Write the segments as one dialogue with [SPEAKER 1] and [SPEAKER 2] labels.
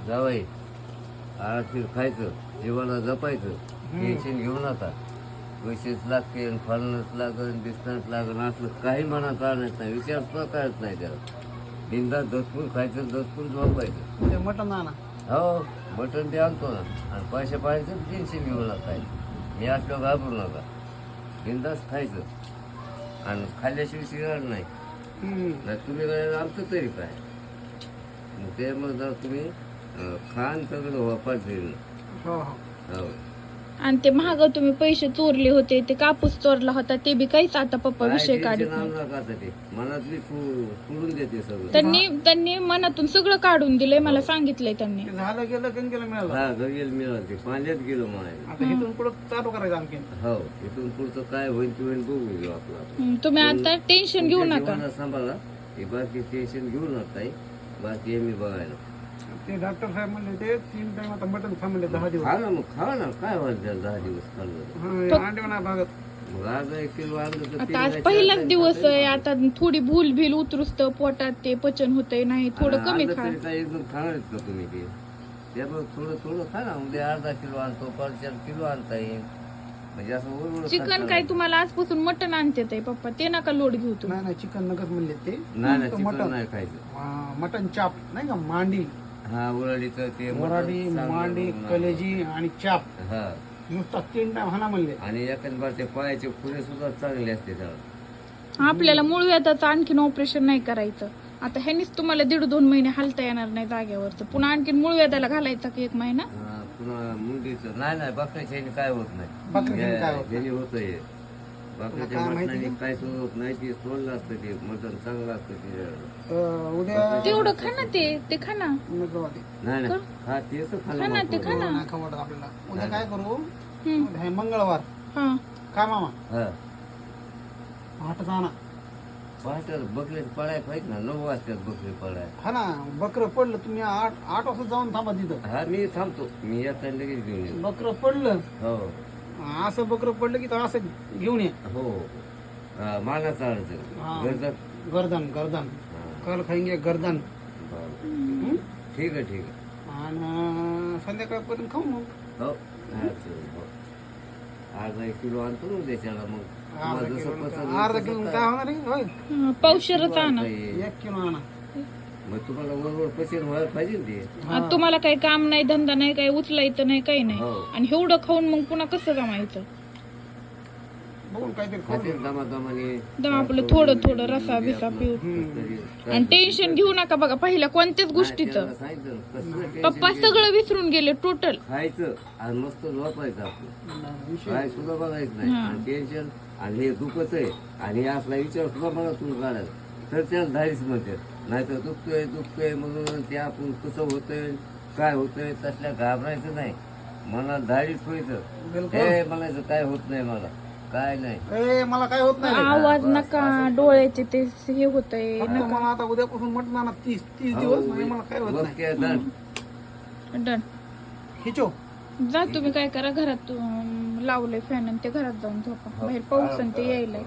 [SPEAKER 1] जावाई आरामशीर खायचं, जीवाला जपायचं, टेन्शन घेऊ नका. पैसेच लागते, फळणंच लागन, दिसणंच लागन, असलं काही मनात आणत नाही, विचार सुद्धा करत नाही त्याला. बिंदास दसपून खायचं, दसपून झोपायचं.
[SPEAKER 2] मटण आणा.
[SPEAKER 1] हो, मटण ते आणतो ना. आणि पैसे पाहायचं, टेन्शन घेऊ नका. मी असलं घाबरू नका, बिंदास खायचं आणि खाल्ल्याशिवाय शिरणार नाही. तुम्ही काय आमचं तरी काय मग ते मग जर तुम्ही खान सगळं वापर देईल.
[SPEAKER 2] हो
[SPEAKER 3] आणि ते महाग तुम्ही पैसे चोरले होते, ते कापूस चोरला होता, ते बी काहीच आता पप्पा विषय काढत नाही.
[SPEAKER 1] ते मनातली सोडून देते सगळं.
[SPEAKER 3] त्यांनी मनातून सगळं काढून दिलंय, मला सांगितलंय त्यांनी.
[SPEAKER 2] झालं गेलं गंगेला मिळालं.
[SPEAKER 1] हा गंगेला मिळालं, ते पाण्यात गेलो म्हणायला.
[SPEAKER 2] आता इथून पुढे चालू करायचं आणखी.
[SPEAKER 1] हो, इथून पुढचं काय होईल ते होईल बघू घेऊ आपलं.
[SPEAKER 3] तुम्ही आता टेन्शन घेऊ नका.
[SPEAKER 1] सांभाळा, हे बाकी टेन्शन घेऊ नका. बाकी हे मी बघायला.
[SPEAKER 2] ते डॉक्टर साहेब म्हणले ते 3 टाइम आता मटण खा म्हणले 10 दिवस.
[SPEAKER 1] खा ना मग, खा ना, काय व्हायचं त्याला 10 दिवस खाल्लं.
[SPEAKER 2] अंडे म्हणा भागत.
[SPEAKER 1] मग आज 1 किलो आणलं तर
[SPEAKER 3] आता आज पहिलाच दिवस आहे, आता थोडी भूल भील उतरुस्त पोटात ते पचन होतंय, नाही थोडं कमी खा.
[SPEAKER 1] काय एकदम खाणार आहेत का तुम्ही ते? त्यामुळे थोडं थोडं खा ना. उद्या अर्धा किलो आणतो, 4 किलो आणता येईल. म्हणजे असं
[SPEAKER 3] चिकन काय तुम्हाला आजपासून मटण आणते ताई पप्पा, ते नका लोड घेऊ तुम्ही.
[SPEAKER 2] नाही चिकन नकच म्हणले ते.
[SPEAKER 1] नाही चिकन नाही खायचं.
[SPEAKER 2] मटण चाप नाही का, मांडी.
[SPEAKER 1] हा, उराडीचं ते
[SPEAKER 2] मोराडी, मांडी, कलेजी आणि चाप.
[SPEAKER 1] हा,
[SPEAKER 2] नुसता 3 टाइम हाना म्हणले.
[SPEAKER 1] आणि एखाद ते पायाचे खुरे सुद्धा चांगले असते त्याला.
[SPEAKER 3] आपल्याला मूळ व्याधाचं आणखीन ऑपरेशन नाही करायचं. आता ह्यानीच तुम्हाला 1.5-2 महिने हालता येणार नाही जागेवरच, पुन्हा आणखीन मूळ व्याधाला घालायचा की 1 महिना.
[SPEAKER 1] पुन्हा मुंडीचं नाही बकऱ्याच्या काय होत नाही.
[SPEAKER 2] बकऱ्याच्या काय होत
[SPEAKER 1] ज्याने होतंय बकऱ्याच्या मटणाने काय सुद्धा होत नाही. ते सोडलं असतं, ते मटण चांगलं असतं ते.
[SPEAKER 2] उद्या
[SPEAKER 3] तेवढं खा ना, ते खा ना.
[SPEAKER 1] नाही खा, तेच
[SPEAKER 3] खा ना, ते खा ना.
[SPEAKER 2] आपल्याला उद्या काय करू, हे मंगळवार
[SPEAKER 3] हा
[SPEAKER 2] काय मामा
[SPEAKER 1] हा,
[SPEAKER 2] हाटत आणा.
[SPEAKER 1] पहाटे बकरे पडाय पाहिजे ना. 9 वाजतात बकरी पडाय.
[SPEAKER 2] हा ना, बकरं पडलं तुम्ही 8 वाजता जाऊन थांबा तिथं.
[SPEAKER 1] हा, मी थांबतो. मी येता लगेच घेऊन येतो.
[SPEAKER 2] बकरं पडलं,
[SPEAKER 1] हो
[SPEAKER 2] असं बकरं पडलं की तर असं घेऊन ये.
[SPEAKER 1] हो, मानाचं
[SPEAKER 2] हा.
[SPEAKER 1] गर्दन.
[SPEAKER 2] गर्दन गर्दन कल खाईंगे गर्दन.
[SPEAKER 1] ठीक आहे.
[SPEAKER 2] आणि संध्याकाळपर्यंत खाऊ मग.
[SPEAKER 1] हो, आज 1 किलो आणतो ना त्याच्याला. मग
[SPEAKER 2] अर्धा किलो काय होणार आहे होय.
[SPEAKER 3] पावशेरच आणा.
[SPEAKER 2] 1 किलो आणा.
[SPEAKER 1] मग तुम्हाला वरवर पचन व्हायला पाहिजे ना ते.
[SPEAKER 3] आता तुम्हाला काही काम नाही, धंदा नाही, काही उचलायचं नाही, काही नाही.
[SPEAKER 1] हो.
[SPEAKER 3] आणि एवढं खाऊन मग पुन्हा कसं जमायचं.
[SPEAKER 2] बघून काहीतरी
[SPEAKER 1] खाते दमादमाने.
[SPEAKER 3] दम आपलं थोडं रसा बिसा पिऊ. आणि टेन्शन घेऊ नका. बघा पहिल्या कोणत्याच गोष्टीचं पप्पा सगळं विसरून गेले टोटल.
[SPEAKER 1] खायचं आणि मस्त झोपायचं आपलं. काय सुद्धा बघायचं नाही. आणि टेन्शन आणि हे दुखत आहे आणि असला विचार सुद्धा मला तुम्ही काढायचा तर त्याला धाडीच म्हणते. नाहीतर दुखतोय म्हणून ते आपण कसं होतंय काय होतंय तसल्या घाबरायचं नाही. मनात धाडीच व्हायचं. हे म्हणायचं काय होत नाही, मला काय नाही,
[SPEAKER 2] मला काय होत नाही.
[SPEAKER 3] आवाज नका, डोळ्याचे ते हे होतंय.
[SPEAKER 2] मला आता उद्यापासून म्हटलं ना 30 दिवस मला काय होत नाही.
[SPEAKER 3] डन.
[SPEAKER 2] खिचो
[SPEAKER 3] जा तुम्ही काय करा, घरात लावलंय फॅन आणि ते घरात जाऊन झोपा. बाहेर पाऊस आणि ते यायलाय.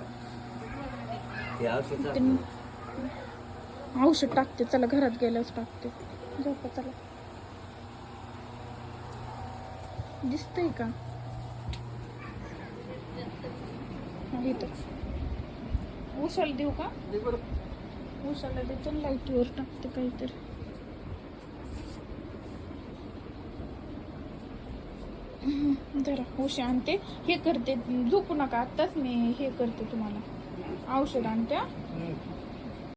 [SPEAKER 3] औषध टाकते, चला घरात गेल्यावर टाकते. झोपा चला. दिसतंय का उशाला देऊ का? उशाला देतो, लाईटवर टाकते काहीतरी. जरा उशा आणते, हे करते, झोपू नका आत्ताच. मी हे करते, तुम्हाला औषध आणते.